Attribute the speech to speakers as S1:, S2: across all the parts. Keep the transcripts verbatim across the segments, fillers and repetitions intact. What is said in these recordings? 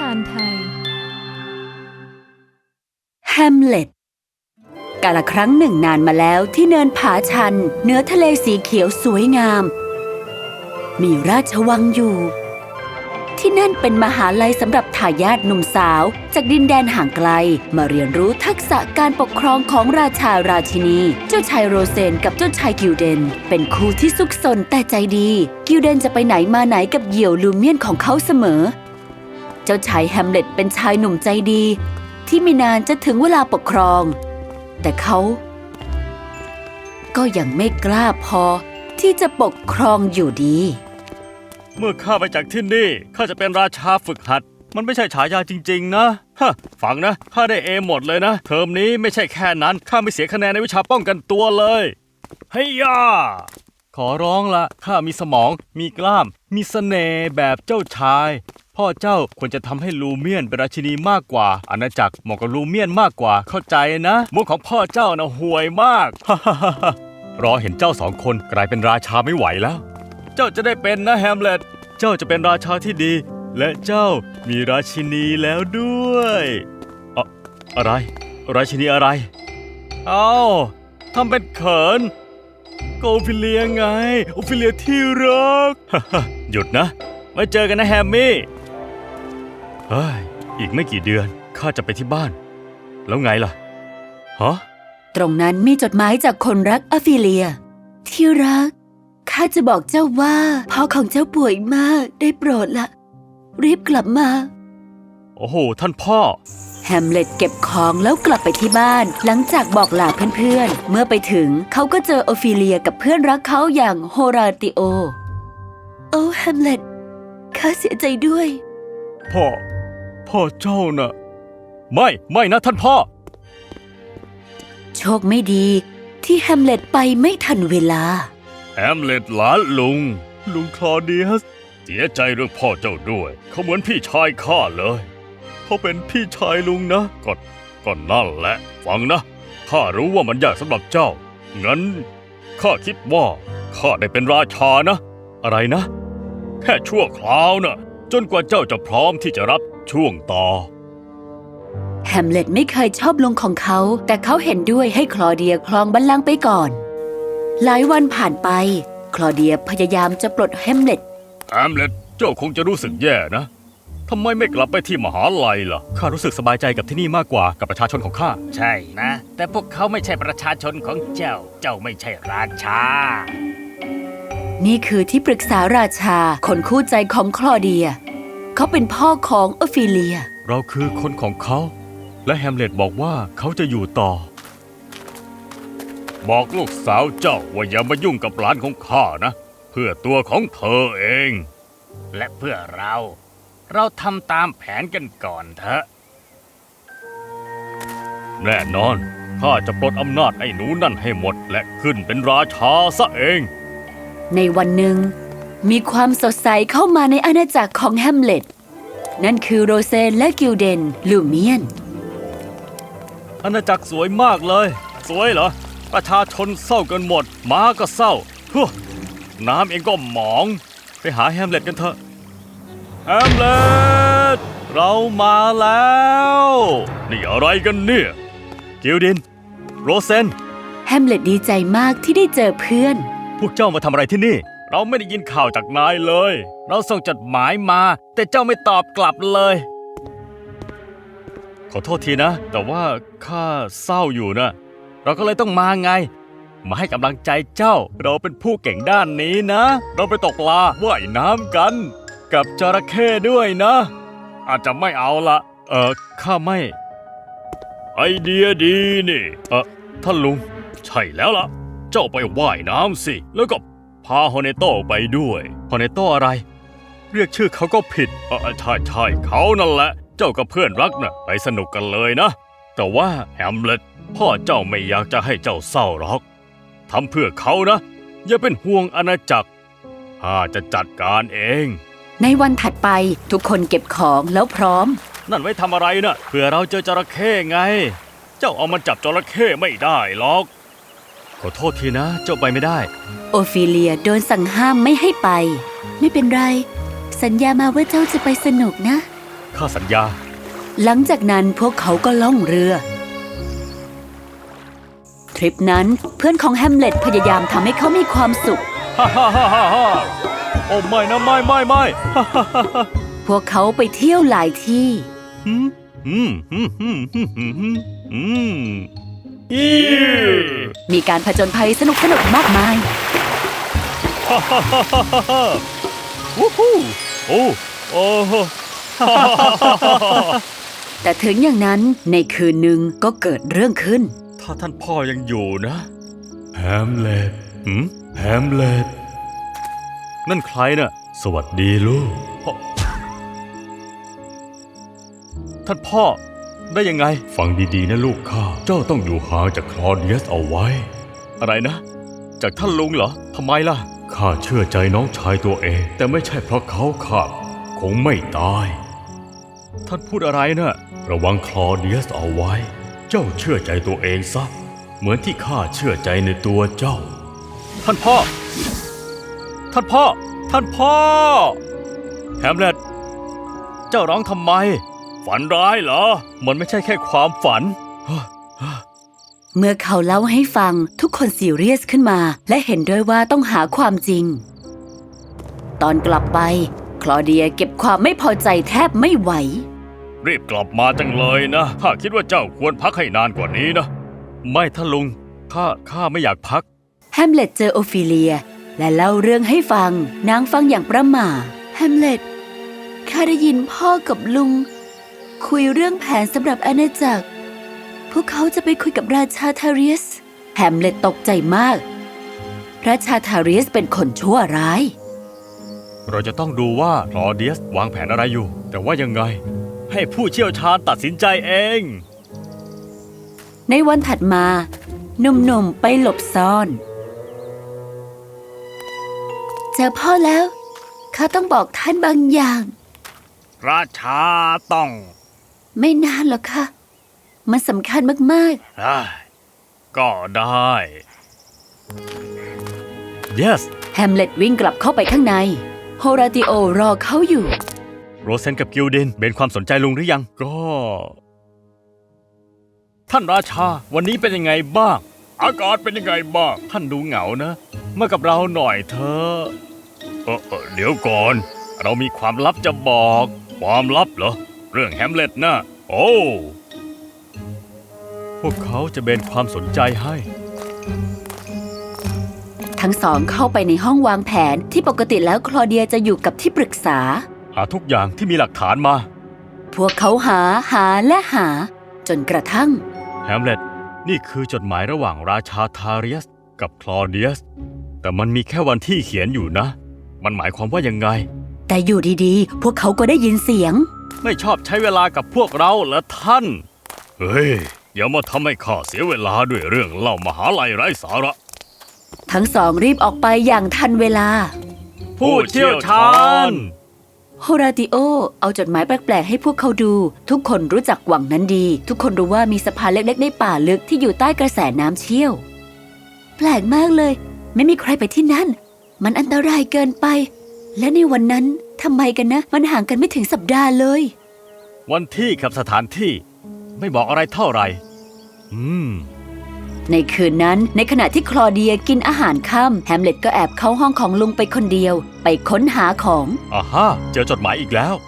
S1: านไทย
S2: แฮมเล็ตกาลครั้งหนึ่งนานมาแล้วที่เนินผาชันเหนือทะเลสีเขียวสวยงามมีราชวังอยู่ที่นั่นเป็นมหาลัยสำหรับทายาทหนุ่มสาวจากดินแดนห่างไกลมาเรียนรู้ทักษะการปกครองของราชาราชินีเจ้าชายโรเซนกับเจ้าชายกิลเดนเป็นคู่ที่ซุกซนแต่ใจดีกิลเดนจะไปไหนมาไหนกับเหยี่ยวลูเมียนของเขาเสมอเจ้าชายแฮมเล็ตเป็นชายหนุ่มใจดีที่ไม่นานจะถึงเวลาปกครองแต่เขาก็ยังไม่กล้าพอที่จะปกครองอยู่ดี
S3: เมื่อข้าไปจากที่นี่ข้าจะเป็นราชาฝึกหัดมันไม่ใช่ฉายาจริงๆนะฮะฟังนะข้าได้เอหมดเลยนะเทอมนี้ไม่ใช่แค่นั้นข้าไม่เสียคะแนนในวิชาป้องกันตัวเลยเฮียขอร้องละข้ามีสมองมีกล้ามมีเสน่ห์แบบเจ้าชายพ่อเจ้าควรจะทำให้ลูเมียนเป็นราชินีมากกว่าอาณาจักรเหมาะกับลูเมียนมากกว่าเข้าใจนะมุกของพ่อเจ้านะห่วยมากรอเห็นเจ้าสองคนกลายเป็นราชาไม่ไหวแล้วเจ้าจะได้เป็นนะแฮมเล็ตเจ้าจะเป็นราชาที่ดีและเจ้ามีราชินีแล้วด้วยอะอะไรราชินีอะไรเอ้าทำเป็นเขินโกฟิเลียไงโอฟิเลียที่รัก หยุดนะไว้เจอกันนะแฮมมี่เฮ้ยอีกไม่กี่เดือนข้าจะไปที่บ้านแล้วไงล่ะฮะ
S2: ตรงนั้นมีจดหมายจากคนรักอฟิเลียที่รักข้าจะบอกเจ้าว่าพ่อของเจ้าป่วยมากได้โปรดละรีบกลับมา
S3: โอ้โหท่านพ่อ
S2: แฮมเล็ตเก็บของแล้วกลับไปที่บ้านหลังจากบอกลาเพื่อนๆเมื่อไปถึงเขาก็เจอโอฟิเลียกับเพื่อนรักเขาอย่างโฮราติโอโอ้แฮมเล็ตข้าเสียใจด้วย
S3: พ่อพ่อเจ้าน่ะไม่ไม่นะท่านพ่อ
S2: โชคไม่ดีที่แฮมเล็ตไปไม่ทันเวลา
S3: แฮมเล็ตหลานลุงลุงคลอเดียสเสียใจเรื่องพ่อเจ้าด้วยเขาเหมือนพี่ชายข้าเลยเขาเป็นพี่ชายลุงนะก็ก็นั่นแหละฟังนะข้ารู้ว่ามันยากสำหรับเจ้างั้นข้าคิดว่าข้าได้เป็นราชานะอะไรนะแค่ชั่วคราวนะจนกว่าเจ้าจะพร้อมที่จะรับช่วงต่อ
S2: แฮมเล็ตไม่เคยชอบลุงของเขาแต่เขาเห็นด้วยให้คลอเดียครองบัลลังก์ไปก่อนหลายวันผ่านไปคลอเดียพยายามจะปลดแฮมเล็ต
S3: แฮมเล็ตเจ้าคงจะรู้สึกแย่นะทำไมไม่กลับไปที่มหาลัยล่ะข้ารู้สึกสบายใจกับที่นี่มากกว่ากับประชาชนของข้า
S4: ใช่นะแต่พวกเขาไม่ใช่ประชาชนของเจ้าเจ้าไม่ใช่ราชา
S2: นี่คือที่ปรึกษาราชาคนคู่ใจของคลอเดียเขาเป็นพ่อของอฟิเลีย
S3: เราคือคนของเขาและแฮมเล็ตบอกว่าเขาจะอยู่ต่อบอกลูกสาวเจ้าว่าอย่ามายุ่งกับหลานของข้านะเพื่อตัวของเธอเอง
S4: และเพื่อเราเราทำตามแผนกันก่อนเถอะ
S3: แน่นอนข้าจะปลดอำนาจไอ้หนูนั่นให้หมดและขึ้นเป็นราชาซะเอง
S2: ในวันหนึ่งมีความสดใสเข้ามาในอาณาจักรของแฮมเล็ตนั่นคือโรเซนและกิลเดนลูเมียน
S3: อาณาจักรสวยมากเลยสวยเหรอประชาชนเศร้ากันหมดม้าก็เศร้าฮึน้ำเองก็หมองไปหาแฮมเล็ตกันเถอะแฮมเล็ตเรามาแล้วนี่อะไรกันเนี่ยกิลดินโรเซน
S2: แฮมเล็ตดีใจมากที่ได้เจอเพื่อน
S3: พวกเจ้ามาทำอะไรที่นี่เราไม่ได้ยินข่าวจากนายเลยเราส่งจดหมายมาแต่เจ้าไม่ตอบกลับเลยขอโทษทีนะแต่ว่าข้าเศร้าอยู่นะเราก็เลยต้องมาไงมาให้กำลังใจเจ้าเราเป็นผู้เก่งด้านนี้นะเราไปตกปลาว่ายน้ำกันกับจระเข้ด้วยนะอาจจะไม่เอาละเออข้าไม่ไอเดียดีนี่เออท่านลุงใช่แล้วล่ะเจ้าไปว่ายน้ำสิแล้วก็พาฮอเนโต้ไปด้วยฮอเนโต้อะไรเรียกชื่อเขาก็ผิดเออใช่ใช่เขานั่นแหละเจ้ากับเพื่อนรักน่ะไปสนุกกันเลยนะแต่ว่าแฮมเล็ตพ่อเจ้าไม่อยากจะให้เจ้าเศร้าหรอกทำเพื่อเขานะอย่าเป็นห่วงอาณาจักรข้าจะจัดการเอง
S2: ในวันถัดไปทุกคนเก็บของแล้วพร้อม
S3: นั่นไว้ทำอะไรนะเผื่อเราเจอจระเข้ไงเจ้าเอามันจับจระเข้ไม่ได้หรอกขอโทษทีนะเจ้าไปไม่ได้
S2: โอฟิเลียโดนสั่งห้ามไม่ให้ไปไม่เป็นไรสัญญามาว่าเจ้าจะไปสนุกนะ
S3: ข้าสัญญา
S2: หลังจากนั้นพวกเขาก็ล่องเรือ ทริปนั้นเพื่อนของแฮมเล็ตพยายามทำให้เขามีความสุข
S3: ฮ่าฮ่าฮ่าฮ่าฮ่าโอ้ไม่นะไม่ไม่ไม่ฮ่าฮ่าฮ่าฮ่า
S2: พวกเขาไปเที่ยวหลายที่
S3: อืมอืมอืมอืมอืมอืมอืมอืมอี
S2: มีการผจญภัยสนุกสนุกมากมาย
S3: ฮ่าฮ่าฮ่าฮ่าฮ่าฮ่าวู้ฮู้โอ้โอ้โหฮ่าฮ่าฮ่าฮ่าฮ่า
S2: แต่ถึงอย่างนั้นในคืนหนึ่งก็เกิดเรื่องขึ้น
S3: ถ้าท่านพ่อยังอยู่นะแฮมเล็ตหืมแฮมเล็ตนั่นใครน่ะสวัสดีลูกพ่อท่านพ่อได้ยังไงฟังดีๆนะลูกข้าเจ้าต้องอยู่ห่างจากคลอเดียสเอาไว้อะไรนะจากท่านลุงเหรอทำไมล่ะข้าเชื่อใจน้องชายตัวเองแต่ไม่ใช่เพราะเขาข้าคงไม่ตายท่านพูดอะไรนะระวังคลอเดียสเอาไว้เจ้าเชื่อใจตัวเองซะเหมือนที่ข้าเชื่อใจในตัวเจ้าท่านพ่อท่านพ่อท่านพ่อแฮมเล็ตเจ้าร้องทำไมฝันร้ายเหรอมันไม่ใช่แค่ความฝัน
S2: เมื่อเขาเล่าให้ฟังทุกคนซีเรียสขึ้นมาและเห็นด้วยว่าต้องหาความจริง ตอนกลับไปคลอเดียเก็บความไม่พอใจแทบไม่ไหว
S3: รีบกลับมาจังเลยนะข้าคิดว่าเจ้าควรพักให้นานกว่านี้นะไม่ท่านลุงข้าข้าไม่อยากพัก
S2: แฮมเล็ตเจอโอฟิเลียและเล่าเรื่องให้ฟังนางฟังอย่างประหม่าแฮมเล็ตข้าได้ยินพ่อกับลุงคุยเรื่องแผนสำหรับอาณาจักรพวกเขาจะไปคุยกับราชาทาเรียสแฮมเล็ตตกใจมากราชาทาเรียสเป็นคนชั่วร้าย
S3: เราจะต้องดูว่าคลอเดียสวางแผนอะไรอยู่แต่ว่ายังไงให้ผู้เชี่ยวชาญตัดสินใจเอง
S2: ในวันถัดมาหนุ่มๆไปหลบซ่อนเจอพ่อแล้วข้าต้องบอกท่านบางอย่าง
S4: ราชาต้อง
S2: ไม่นานหรอกค่ะมันสำคัญมาก
S4: ๆก็ได้
S3: yes
S2: แฮมเล็ตวิ่งกลับเข้าไปข้างในโฮราติโอรอเขาอยู่
S3: โรเซนกับกิลดินเบนความสนใจลุงหรือยังก็ท่านราชาวันนี้เป็นยังไงบ้าง
S4: อากาศเป็นยังไงบ้าง
S3: ท่านดูเหงานะมากับเราหน่อยเถอะ
S4: เออเออเดี๋ยวก่อนเรามีความลับจะบอกความลับเหรอเรื่องแฮมเล็ตนะโอ้
S3: พวกเขาจะเบนความสนใจให้
S2: ทั้งสองเข้าไปในห้องวางแผนที่ปกติแล้วคลอเดียจะอยู่กับที่ปรึกษา
S3: หาทุกอย่างที่มีหลักฐานมา
S2: พวกเขาหาหาและหาจนกระทั่ง
S3: แฮมเล็ตนี่คือจดหมายระหว่างราชาทาเรียสกับคลอเดียสแต่มันมีแค่วันที่เขียนอยู่นะมันหมายความว่ายังไง
S2: แต่อยู่ดีๆพวกเขาก็ได้ยินเสียง
S3: ไม่ชอบใช้เวลากับพวกเราเหรอท่าน
S4: เฮ้ยอย่ามาทำให้ข้าเสียเวลาด้วยเรื่องเล่ามหาลัยไร้สาระ
S2: ทั้งสองรีบออกไปอย่างทันเวลา
S3: ผู้เชี่ยวชาญ
S2: โฮราติโอเอาจดหมายแปลกๆให้พวกเขาดูทุกคนรู้จักวังนั้นดีทุกคนรู้ว่ามีสะพานเล็กๆในป่าลึกที่อยู่ใต้กระแสน้ำเชี่ยวแปลกมากเลยไม่มีใครไปที่นั่นมันอันตรายเกินไปและในวันนั้นทำไมกันนะมันห่างกันไม่ถึงสัปดาห์เลย
S3: วันที่กับสถานที่ไม่บอกอะไรเท่าไหร่อืม
S2: ในคืนนั้นในขณะที่คลอเดียกินอาหารค่ำแฮมเล็ตก็แอบเข้าห้องของลุงไปคนเดียวไปค้นหาของ
S3: อ่าฮะเจอจดหมายอีกแล้ว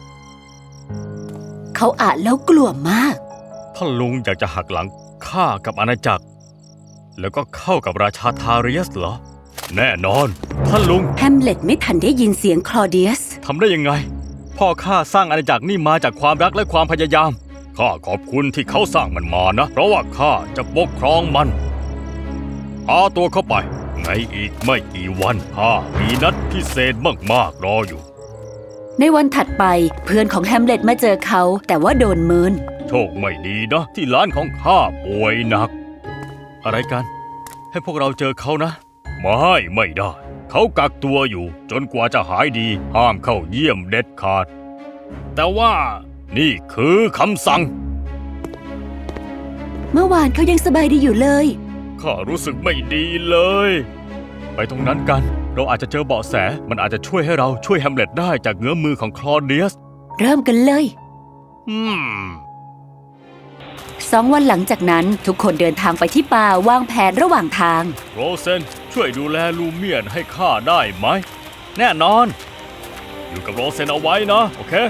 S2: เขาอ่านแล้วกลัวมาก
S3: ท่านลุงอยากจะหักหลังข้ากับอาณาจักรแล้วก็เข้ากับราชาทาเรียสเหรอแน่นอนท่านลุง
S2: แฮมเล็ตไม่ทันได้ยินเสียงคลอเดียส
S3: ทำได้ยังไงพ่อข้าสร้างอาณาจักรนี่มาจากความรักและความพยายามข้าขอบคุณที่เขาสร้างมันมานะเพราะว่าข้าจะปกครองมันพาตัวเข้าไปในอีกไม่กี่วันข้ามีนัดพิเศษมากๆรออยู่
S2: ในวันถัดไปเพื่อนของแฮมเล็ตมาเจอเขาแต่ว่าโดนเมิน
S3: โชคไม่ดีนะที่ร้านของข้าป่วยหนักอะไรกันให้พวกเราเจอเขานะไม่ไม่ได้เขากักตัวอยู่จนกว่าจะหายดีห้ามเข้าเยี่ยมเด็ดขาดแต่ว่านี่คือคำสั่ง
S2: เมื่อวานเขายังสบายดีอยู่เลย
S3: ข้ารู้สึกไม่ดีเลยไปตรงนั้นกันเราอาจจะเจอเบาะแสมันอาจจะช่วยให้เราช่วยแฮมเล็ตได้จากเงื้อมือของคลอเดียส
S2: เริ่มกันเลย
S3: อืม
S2: สองวันหลังจากนั้นทุกคนเดินทางไปที่ป่าวางแผนระหว่างทาง
S3: โรเซนช่วยดูแลลูเมียนให้ข้าได้ไหม แน่นอน อยู่กับโรเซนเอาไว้นะ โอเค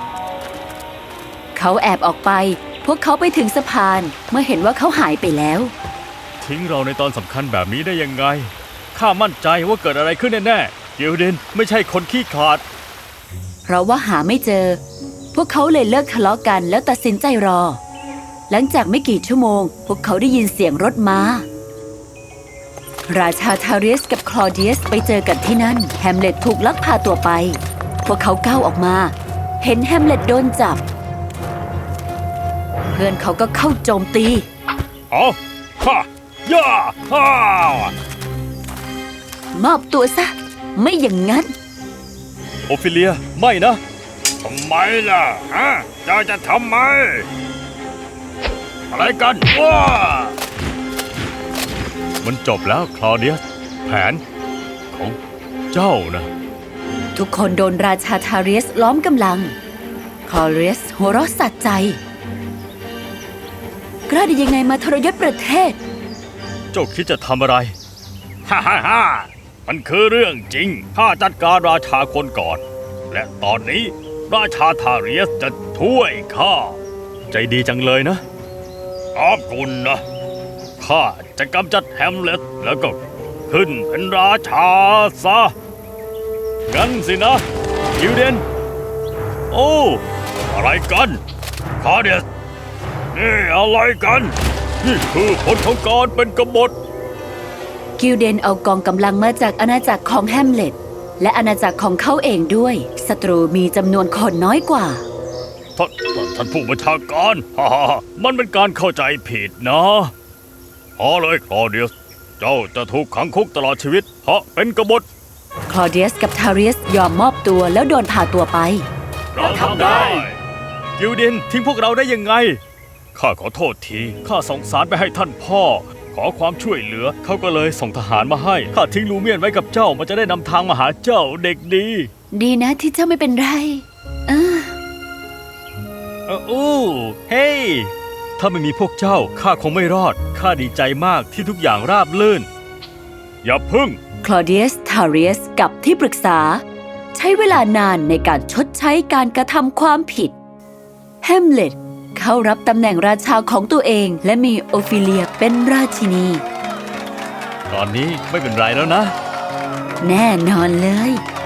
S2: เขาแอบออกไป พวกเขาไปถึงสะพานเมื่อเห็นว่าเขาหายไปแล้ว
S3: ทิ้งเราในตอนสำคัญแบบนี้ได้ยังไง ข้ามั่นใจว่าเกิดอะไรขึ้นแน่ๆกิลเดนไม่ใช่คนขี้ขลาด
S2: เพราะว่าหาไม่เจอ พวกเขาเลยเลิกทะเลาะกันแล้วตัดสินใจรอ หลังจากไม่กี่ชั่วโมง พวกเขาได้ยินเสียงรถม้า ราชาทาเรียสกับคลอเดียสไปเจอกันที่นั่น แฮมเล็ตถูกลักพาตัวไป พวกเขาก้าวออกมา เห็นแฮมเล็ตโดนจับ เพื่อนเขาก็เข้าโจมตี
S3: เอาฮ่าย่าฮ่าม
S2: อบตัวซะ ไม่อย่างนั้น
S3: โอฟิเลีย ไม่นะ
S4: ทำไมล่ะฮะเจ้าจะทำไม อะไรกันว้า
S3: มันจบแล้วคลอเดียส แผนของเจ้านะ
S2: ทุกคนโดนราชาทาเรียสล้อมกำลัง คลอเรียสหัวเราะสะใจ กล้าได้ยังไงมาทรยศประเทศ
S3: เจ้าคิดจะทำอะไร
S4: ฮ่าฮ่าฮ่ามันคือเรื่องจริง
S3: ข้าจัดการราชาคนก่อน
S4: และตอนนี้ราชาทาเรียสจะช่วยข้า
S3: ใจดีจังเลยนะ
S4: ขอบคุณนะ ข้าจะกำจัดแฮมเล็ตแล้วก็ขึ้นเป็นราชาซะ
S3: งั้นสินะกิลเดน โอ้
S4: อะไรกันคาเดียสนี่อะไรกัน
S3: นี่คือผลของการเป็นกบฏ
S2: กิลเดนเอากองกำลังมาจากอาณาจักรของแฮมเล็ตและอาณาจักรของเขาเองด้วย ศัตรูมีจำนวนคนน้อยกว่า
S4: ท่านท่านท่านผู้บัญชาการฮ่าฮ่าฮ่า
S3: มันเป็นการเข้าใจผิดนะ
S4: พอเลยคลอเดียส เจ้าจะถูกขังคุกตลอดชีวิต เพราะเป็นกบฏ
S2: คลอเดียสกับทาเรียสยอมมอบตัวแล้วโดนพาตัวไป
S4: เราทำได้
S3: กิลเดนทิ้งพวกเราได้ยังไง ข้าขอโทษที ข้าส่งสารไปให้ท่านพ่อ ขอความช่วยเหลือ เขาก็เลยส่งทหารมาให้ ข้าทิ้งลูเมียนไว้กับเจ้า มันจะได้นำทางมาหาเจ้าเด็กดี
S2: ดีนะที่เจ้าไม่เป็นไรเออ
S3: เอออู้เฮ้ย ถ้าไม่มีพวกเจ้า ข้าคงไม่รอด ข้าดีใจมากที่ทุกอย่างราบรื่น
S4: อย่าพึ่ง
S2: คลอเดียส ทาเรียส กับที่ปรึกษา ใช้เวลานานในการชดใช้การกระทำความผิด แฮมเล็ตเข้ารับตำแหน่งราชาของตัวเอง และมีโอฟิเลียเป็นราชินี
S3: ตอนนี้ไม่เป็นไรแล้วนะ
S2: แน่นอนเลย
S3: เ